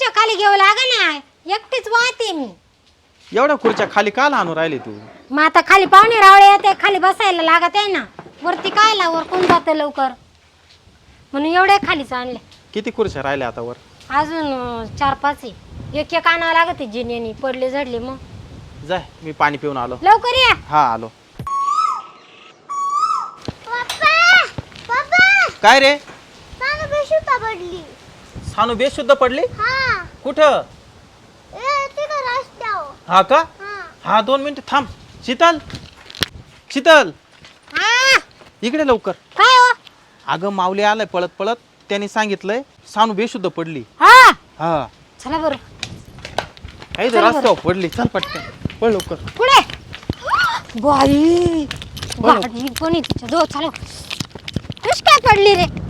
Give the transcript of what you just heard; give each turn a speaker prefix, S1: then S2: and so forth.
S1: खुर्च्या खाली घेऊ लागा ना, एकटीच वाहते मी.
S2: एवढ्या खुर्च्या खाली का आणून राहिले तू?
S1: मग आता खाली पाहुणे रावळे येते, खाली बसायला लागत आहे ना. वरती काय ला, वर कोण जातं लवकर, म्हणून एवढ्या खालीच आणले.
S2: किती खुर्च्या राहिल्या आता वर?
S1: अजून 4-5 आहे. एक एक आणावं लागत जिन्यानी, पडले झडले. मग
S2: जाय, मी पाणी पिऊन आलो.
S1: लवकर या.
S2: हा आलो. काय रे? सानू बेशुद्ध पडली? कुठं? हा का? हा 2 मिनिट थांब. शीतल, शीतल इकडे लवकर.
S1: काय हो?
S2: अगं माऊली आलाय पळत पळत, त्याने सांगितलंय सानू बेशुद्ध पडली.
S1: हा
S2: हा
S1: चला बरं.
S2: काही रस्त्यावर पडली. चल पटकन पळ लवकर.
S1: पुढे बाई, गाडी पण आहे तिच्या जवळ. चालव. कशी काय पडली रे?